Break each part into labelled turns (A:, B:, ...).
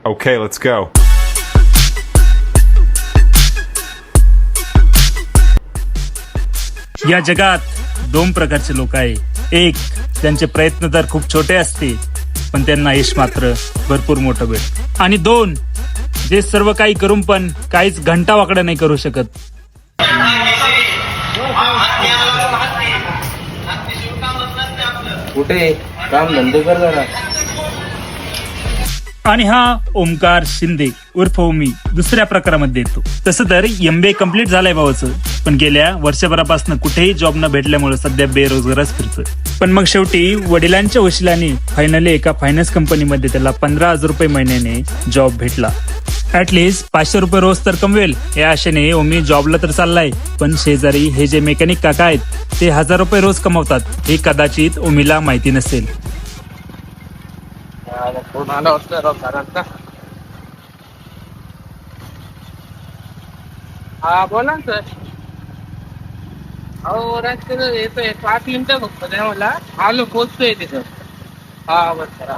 A: Okay, let's go.
B: या जगात दोन प्रकारचे लोक आहे. एक, त्यांचे प्रयत्न तर खूप छोटे असते पण त्यांना यश मात्र भरपूर मोठं भेट. आणि दोन, जे सर्व काही करून पण काहीच घंटा वाकडा नाही करू शकत.
C: कुठे काम धंदे कर जरा.
B: आणि हा ओमकार शिंदे उर्फ ओमी दुसऱ्या प्रकारामध्ये येतो. तसं तर MBA कम्प्लीट झालंय भावाचं, पण गेल्या वर्षभरापासून कुठेही जॉब न भेटल्यामुळे सध्या बेरोजगारच फिरतोय. पण मग शेवटी वडिलांच्या वशिलाने फायनली एका फायनान्स कंपनीमध्ये त्याला 15,000 रुपये महिन्याने जॉब भेटला. ऍटलिस्ट 500 रुपये रोज तर कमवेल या आशेने ओमी जॉबला तर चाललाय. पण शेजारी हे जे मेकॅनिक काका आहेत ते 1000 रुपये रोज कमवतात हे कदाचित ओमीला माहिती नसेल.
C: फोन आला होता घरांचा. हा बोला ना सर. अहो रस्त्याचं येतोय 5 मिनिटं फक्त द्या मला. आलो पोचतोय तिथं. हा बस sir.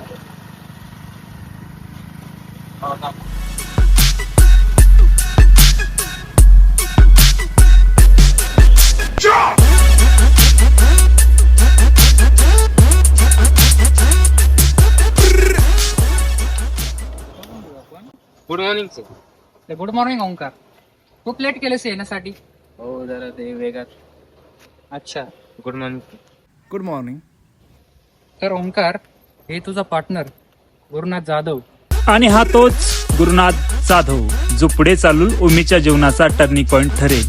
C: Good morning sir.
D: Good morning Omkar. खूप लेट केलंस येण्यासाठी.
C: हो जरा ते वेगात.
D: अच्छा.
C: Good morning.
E: Good morning.
D: तर ओंकार, हे तुझा पार्टनर गुरुनाथ जाधव.
B: आणि हा तोच गुरुनाथ जाधव जो पुढे चालून ओमीच्या जीवनाचा टर्निंग पॉइंट ठरेल.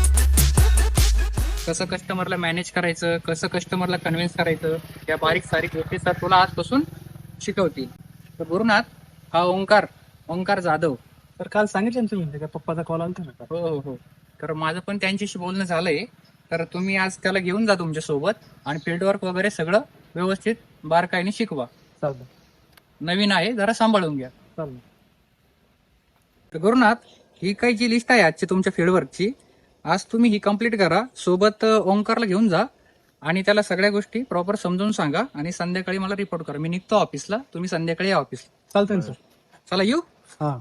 D: कसं कस्टमरला मॅनेज करायचं, कसं कस्टमरला कन्व्हिन्स करायचं, या बारीक सारीक गोष्टी तर तुला आजपासून शिकवतील. तर गुरुनाथ हा ओंकार जाधव.
E: तर काल सांगितलं ना तुम्ही का पप्पाचा कॉल आला ना.
D: हो हो हो. तर माझं पण त्यांच्याशी बोलणं झालंय. तर तुम्ही आज त्याला घेऊन जा तुमच्या सोबत आणि फील्डवर्क वगैरे सगळं व्यवस्थित बारकाईने शिकवा.
E: चालतं
D: नवीन आहे, जरा सांभाळून घ्या.
E: चालतं.
D: तर गुरुनाथ, ही काही जी लिस्ट आहे आजची तुमच्या फील्डवर्कची, आज तुम्ही ही कंप्लीट करा. सोबत ओंकारला घेऊन जा आणि त्याला सगळ्या गोष्टी प्रॉपर समजून सांगा आणि संध्याकाळी मला रिपोर्ट करा. मी निघतो ऑफिसला, तुम्ही संध्याकाळी या ऑफिसला.
E: चालतंय ना सर.
D: चला येऊ.
E: हा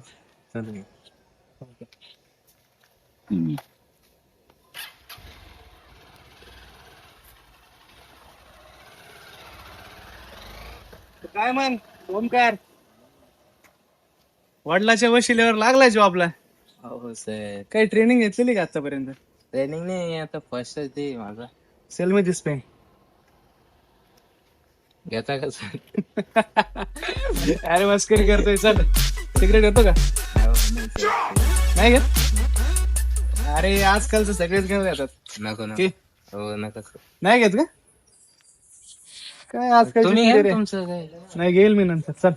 E: काय मग ओमकार, वडिलाच्या वशिल्यावर लागलाय जॉबला.
C: हो सर.
E: काही ट्रेनिंग घेतलेली का आतापर्यंत?
C: ट्रेनिंग नाही आता फर्स्ट ते माझा.
E: सेल मी दिसतोय.
C: घेता का सर?
E: अरे मस्करी करतोय. चल सिगरेट घेतो का? नाही घेत? अरे आजकालचं सगळेच घेऊन येतात.
C: नको ना.
E: की?
C: हो नका सर.
E: नाही घेत का? काय आजकाल
C: तुम्ही घ्या तुमचं काय.
E: नाही घेईल मी नंतर. चल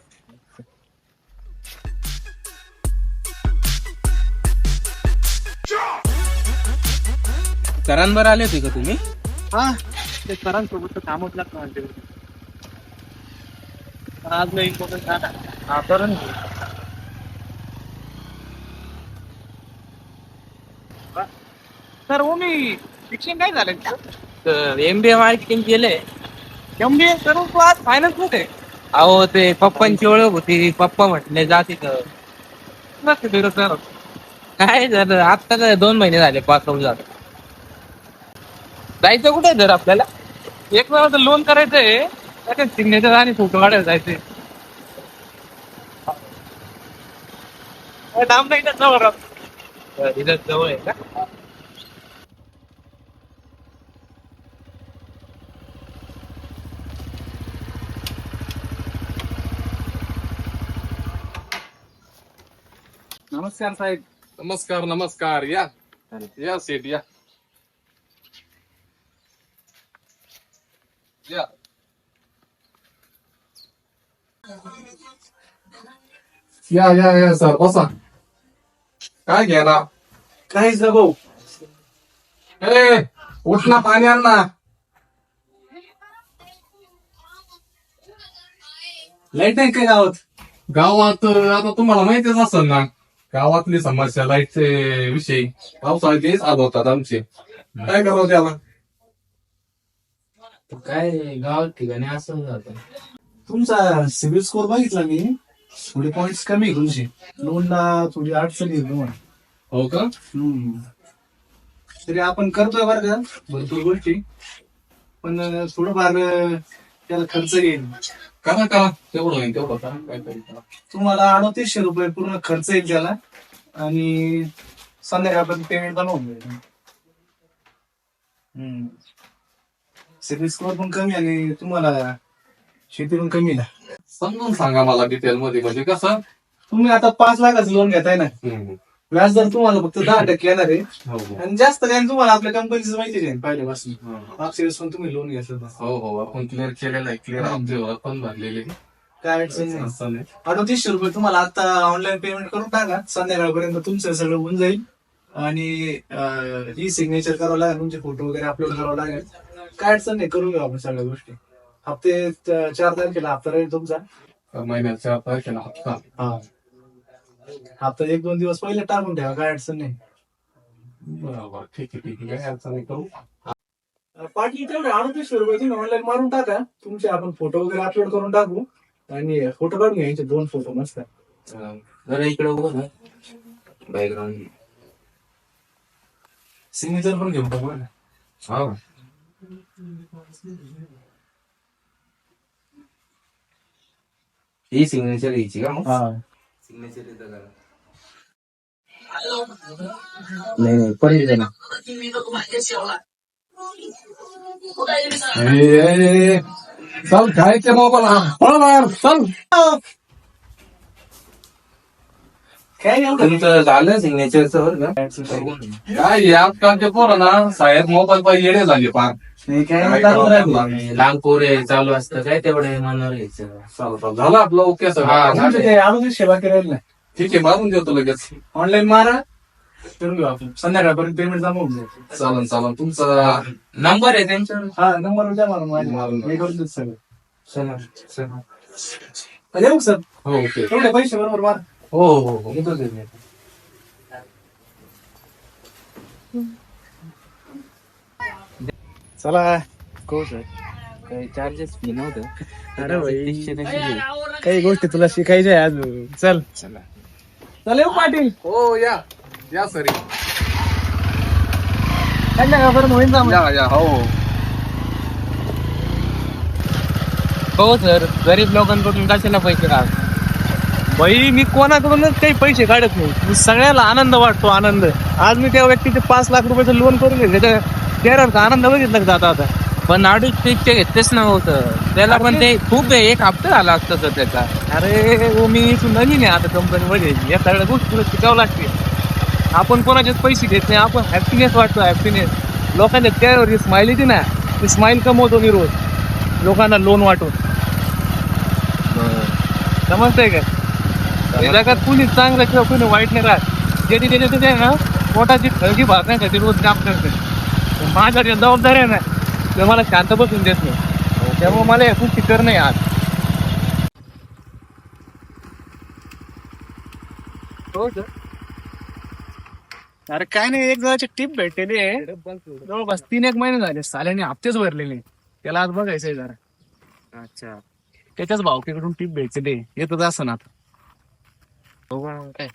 C: सरांवर आले होते का तुम्ही?
E: हा ते सरांसोबत काम होत लागतं. आज नाही इम्पॉर्टंट झाला.
C: हा करून
E: सर हो मी शिक्षण काय झालं?
C: MBA मार्केटिंग केलंय.
E: MBA करून तू आज फायनान्स मध्ये?
C: अहो ते पप्पांची ओळख होती. पप्पा म्हटले जा तिथं. काय झालं आता काय 2 महिने झाले पास आउट झालं. जायचं कुठे जर आपल्याला?
E: एक वेळा तर लोन करायचंय, त्याच्यात सिग्नेचर आणि फोटो काढायला जायचंय. डाम नाही जवळ.
C: इथं जवळ आहे का?
E: नमस्कार साहेब.
F: नमस्कार नमस्कार. या या सेठ या या. या या या सर बसा. काय घ्या ना?
E: काय भाऊ?
F: ए उठ ना, पाणी आण ना.
E: लाईट नाही काय गावात?
F: गावात आता तुम्हाला माहितीच असेल ना गावातली समस्या लाईटचे विषयी. पावसाळ्यात तेच आल होतात आमचे. काय करावं त्याला?
C: काय गाव ठिकाणी असं जातं.
E: तुमचा सिबिल स्कोर बघितला मी. थोडे पॉइंट कमी आहे तुमचे, लोनला थोडी अडचण येईल तुम्हाला.
F: हो का?
E: तरी आपण करतोय बरं का भरपूर गोष्टी, पण थोडंफार त्याला खर्च येईल.
F: करा करा, तेवढं होईल तेवढं करा, काहीतरी करा.
E: तुम्हाला 3800 रुपये पूर्ण खर्च येईल त्याला, आणि संध्याकाळपर्यंत पेमेंट पण होऊन जाईल. सिबिल स्कोअर पण कमी आणि तुम्हाला शेती पण कमी ना.
F: समजून सांगा मला डिटेल मध्ये, म्हणजे कसं.
E: तुम्ही आता 5 लाखाचं लोन घेताय ना, व्याज दर तुम्हाला फक्त 10% येणार आहे,
F: हो हो
E: आणि जास्त काय तुम्हाला आपल्या कंपनीचं माहिती आहे पहिल्यापासून. मागच्या वेळेस पण तुम्ही लोन घेतलं
F: हो हो, आपण क्लिअर केलेलं आहे, क्लिअर आमचे ओळख पण भरलेली आहे.
E: काय अडचण नाही.
F: असं नाही.
E: 3800 रुपये तुम्हाला आता ऑनलाईन पेमेंट करून टाका, संध्याकाळपर्यंत तुमचं सगळं होऊन जाईल. आणि ही सिग्नेचर करावं लागेल, तुमचे फोटो वगैरे अपलोड करावं लागेल. काय अडचण नाही, करून घेऊ आपण सगळ्या गोष्टी. हप्ते 4 तारखेला हप्ता राहील तुमचा.
F: महिन्याच्या 4 तारखेला हप्ता.
E: हा, हप्ता 1-2 दिवस पहिले टाकून ठेवा, काय अडचण नाही.
F: बरोबर, ठीक आहे ठीक आहे, काय अडचण नाही, करू.
E: पाठी तेवढे 3800 रुपये तुम्ही ऑनलाईन मारून टाका, तुमचे आपण फोटो वगैरे अपलोड करून टाकू. आणि फोटो काढून घ्यायचे 2 फोटो मस्त.
C: जरा इकडे बघ ना, बॅकग्राऊंड
E: सिग्नेचर पण घेऊन टाकू ना.
F: हा,
C: ही सिग्नेचर घ्यायची का मग?
E: हा,
C: सिग्नेचर इथं करा. नाही पण इथे ना.
F: ए, चल खायचे मोबाईल, चल.
E: काय एवढं
C: तुमचं झालं सिग्नेचरचं बरं का?
F: काय आजकालचे पोरं ना साहेब मोबाईल पाहिजे येडे झाले फार.
E: नाही, काय
F: काय
E: टाकून राहिलो.
F: करावं?
C: लहान पोरे चालू असतं काय तेवढे मनावर घ्यायचं.
F: चालतं, झालं आपलं ओके
C: हा,
F: सगळं.
C: झालं.
E: तुमचे आणून सेवा करायला नाही,
F: ठीक आहे, मारून देतो लगेच.
E: ऑनलाईन मारा, करून घेऊ आपण. संध्याकाळपर्यंत पेमेंट जमा होऊन जाईल.
F: चालन चालन, तुमचा
C: नंबर आहे त्यांच्यावर.
E: हा, नंबर द्या मला माझ्या.
F: मारून
E: मी करून देतो सगळं.
C: चला चला.
E: येऊ सर,
F: हो ओके.
E: तेवढे पैसे बरोबर मार.
C: हो हो हो, येतो ते मी.
E: चला.
C: हो सर, काही चार्जेस फी नव्हतं.
E: अरे भाई,
C: 300 कशी घेऊ?
E: काही गोष्टी तुला शिकायच्या आहे अजून. चल
C: चला.
E: चल, येऊ पाटील.
F: हो या या सर,
E: संध्याकाळपर्यंत होईन जा मग.
F: या हो.
C: हो सर, गरीब लोकांकडून कशाला पैसे काढ.
E: भाई, मी कोणाकडूनच काही पैसे काढत नाही. सगळ्याला आनंद वाटतो, आनंद. आज मी त्या व्यक्तीचे 5 लाख रुपयाचं लोन करून घेतलं, त्याच्या चेहऱ्यावरचा आनंद बघितला का जाता आता.
C: पण 2.5 ते घेतलेच नव्हतं त्याला, पण ते खूप आहे, 1 हप्ता झाला असता सर त्याचा.
E: अरे हो, मी इथून नवीन आहे आता कंपनीमध्ये. या सगळ्या गोष्टी तुला शिकावं लागते. आपण कोणाचेच पैसे घेत नाही, आपण हॅपीनेस वाटतो, हॅपीनेस. लोकांच्या चेहऱ्यावर स्माइल येते ना, ती स्माइल कमवतो मी रोज लोकांना लोन वाटून. समजतंय का? या जगात कुणी चांगलं किंवा कुणी वाईट नाही राहत. ज्याची त्याच्या ना पोटाची खळगी भागण्यासाठी रोज काम करते. माझ्या ज्या जबाबदारी आहे ना, ते मला शांत बसून देत नाही. त्यामुळे मला या गोष्टी करणं आहे आज. हो सर. अरे काय नाही, एक जणाची टीप भेटलेली आहे, जवळपास 3-1 महिने झाले. साल्याने हप्तेच भरलेले, त्याला आज बघायचंय जरा.
C: अच्छा,
E: त्याच्याच भावकीकडून टीप भेटलेली आहे. येतच असं ना.
C: हो का काय?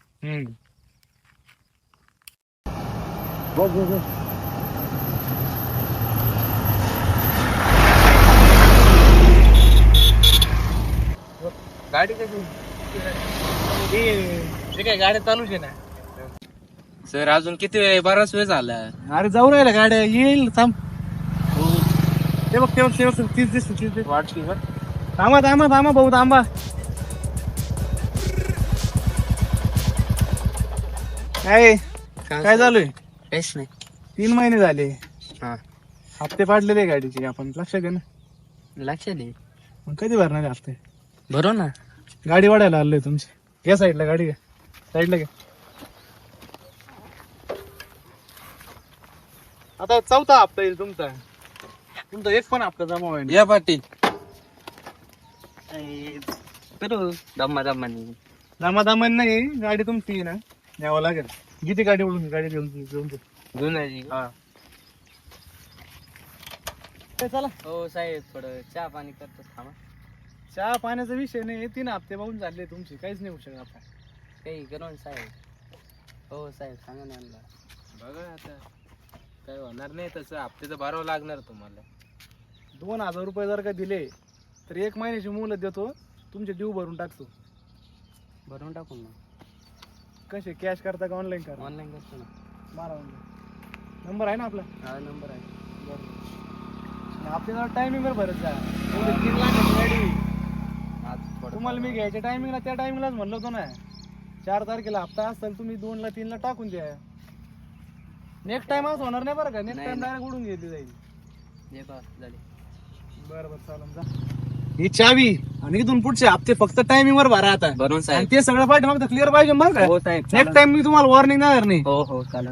E: गाडी कशी काय गाड्या चालूच आहे ना.
C: सर अजून किती वेळ? बराच वेळ झाला.
E: अरे जाऊ राहिला गाड्या, येईल थांब. ते बघ, ते बघ, ते बघ, 30 दिसत
C: वाटली बरं.
E: थांबा थांबा थांबा भाऊ, थांबा. काय चालू आहे?
C: काहीच नाही.
E: 3 महिने झाले,
C: हा,
E: हप्ते पाडलेले गाडीचे. आपण लक्षात घे ना.
C: लक्षात आहे.
E: मग कधी भरणार आहे हप्ते?
C: बरोबर ना.
E: गाडी वाढायला आलोय तुमची. या साईडला गाडी घ्या, साईडला घ्या. आता 4था हप्ता येईल तुमचा. तुमचा एक पण हप्ता जमा होईल.
C: या पाटील, करू दम्मा दम्मानी.
E: दामादामान नाही, गाडी तुमची आहे ना, न्यावं लागेल. किती गाडी ओढून गाडी घेऊन
C: जुनाजी.
E: हा. चला.
C: हो साहेब, थोडं चहा पाणी करतो थांबा.
E: चहा पाण्याचा विषय नाही, 3 हप्ते बघून चालले तुमचे, काहीच नाही होऊ शकत आता.
C: काही करून साहेब. हो साहेब सांगा ना यांना. बघा आता काय होणार नाही तसं, हप्ते तर भरावं लागणार तुम्हाला.
E: 2000 रुपये जर का दिले तर 1 महिन्याची मुहलत देतो, तुमचे ड्यू भरून टाकतो.
C: भरून टाकून ना.
E: कसे कॅश करता का ऑनलाईन करा?
C: ऑनलाईन करतो ना.
E: मारा ऑनलाईन. नंबर आहे ना आपला?
C: हा नंबर आहे.
E: आपल्याला टायमिंगवर भरत जा. 3 लाखाची गाडी
C: आज थोडं
E: तुम्हाला मी घ्यायच्या टायमिंगला त्या टायमिंगलाच म्हणलं होतं ना. 4 तारखेला हप्ता असेल, तुम्ही 2ला 3ला टाकून द्या. नेक्स्ट टाइम असं होणार नाही बरं का? नेक्स्ट
C: नाही,
E: टाइम
C: नाही.
E: डायरेक्ट उडून घेतली जाईल.
C: जे का झाले.
E: बरं चालेल जा. ही चावी आणि इथून पुढचे हप्ते फक्त टायमिंग वर भरा आता.
C: भरून
E: आणि
C: साहेब.
E: ते सगळं पाहिजे मग क्लिअर पाहिजे मग काय?
C: हो साहेब.
E: नेक्स्ट टाइम मी तुम्हाला वॉर्निंग देणार नाही.
C: हो हो चालेल.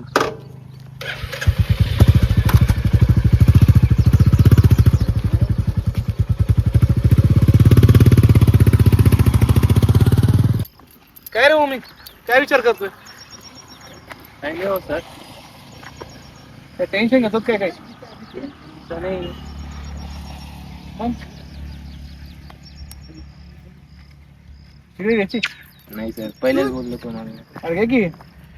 E: काय रे मम्मी, काय विचार करतोय?
C: Thank you sir.
E: काय टेन्शन घेतो काय? काय
C: नाही
E: मग तिकडे घ्यायची.
C: नाही सर, पहिलेच बोललो तुम्हाला.
E: अरे घे की.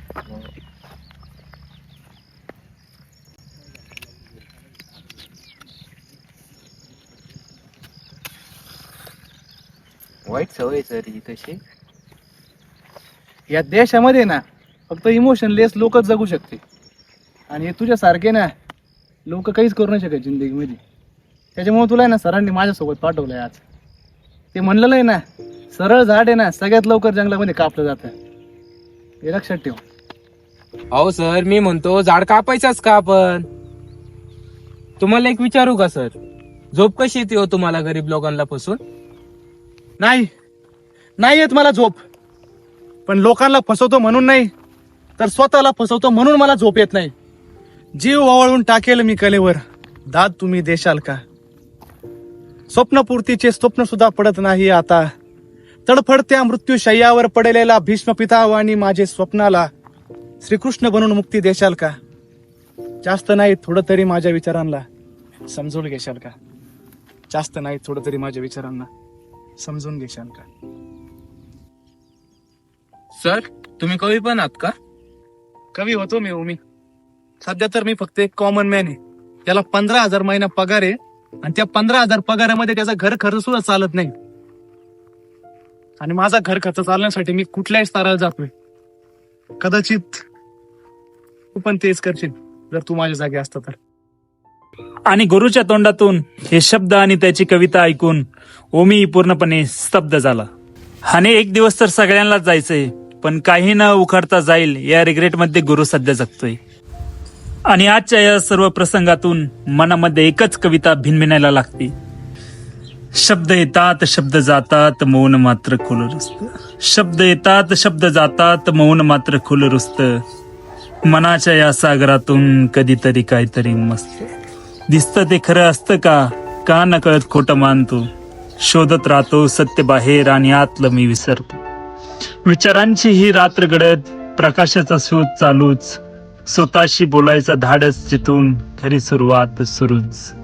C: वाईट सवय सर ही तशी.
E: या देशामध्ये ना फक्त इमोशनलेस लोकच जगू शकते, आणि तुझ्यासारखे ना लोक काहीच करू नाही शकत जिंदगीमध्ये. त्याच्यामुळे तुला आहे ना सरांनी माझ्यासोबत पाठवलंय आज. ते म्हणलेलं आहे ना, सरळ झाड आहे ना सगळ्यात लवकर जंगलामध्ये कापलं जातं. हे लक्षात ठेव.
C: अहो सर, मी म्हणतो झाड कापायचाच का आपण? तुम्हाला एक विचारू का सर, झोप कशी येते हो तुम्हाला गरीब लोकांना फसून?
E: नाही येत मला झोप, पण लोकांना फसवतो म्हणून नाही, तर स्वतःला फसवतो म्हणून मला झोप येत नाही. जीव ओवाळून टाकेल मी कलेवर, दाद तुम्ही देशाल का? स्वप्नपूर्तीचे स्वप्न सुद्धा पडत नाही आता. तडफडत्या मृत्यूशय्यावर पडलेला भीष्म पितावानी माझे स्वप्नाला श्रीकृष्ण बनून मुक्ती देशाल का? जास्त नाही थोडं तरी माझ्या विचारांना समजून घेशाल का? जास्त नाही थोडं तरी माझ्या विचारांना समजून घेशाल का?
C: सर तुम्ही कवी पण आहात का?
E: कवी होतो मी. सध्या तर मी फक्त एक कॉमन मॅन आहे. त्याला 15,000 महिना पगार आहे, आणि त्या 15,000 पगारामध्ये त्याचा घर खर्च सुद्धा चालत नाही. आणि माझा घर खर्च चालण्यासाठी मी कुठल्याही स्तराला जातोय. कदाचित तू पण तेच करशील जर तू माझ्या जागी असता तर.
B: आणि गुरुच्या तोंडातून हे शब्द आणि त्याची कविता ऐकून ओमी पूर्णपणे स्तब्ध झाला. आणि एक दिवस तर सगळ्यांनाच जायचंय, पण काही न उखडता जाईल या रिग्रेटमध्ये गुरु सध्या जगतोय. आणि आजच्या या सर्व प्रसंगातून मनामध्ये एकच कविता भिनभिनायला लागते. शब्द येतात शब्द जातात, मौन मात्र खुलं रुसतं. शब्द येतात शब्द जातात, मौन मात्र खुलं रुसतं. मनाच्या या सागरातून कधीतरी काहीतरी मस्त दिसतं. ते खरं असतं का नकळत खोटं मानतो. शोधत राहतो सत्य बाहेर, आणि आतलं मी विसरतो. विचारांची ही रात्र घडत, प्रकाशाचा शोध चालूच. स्वतःशी बोलायचा धाडस जिथून खरी सुरुवात सुरूच.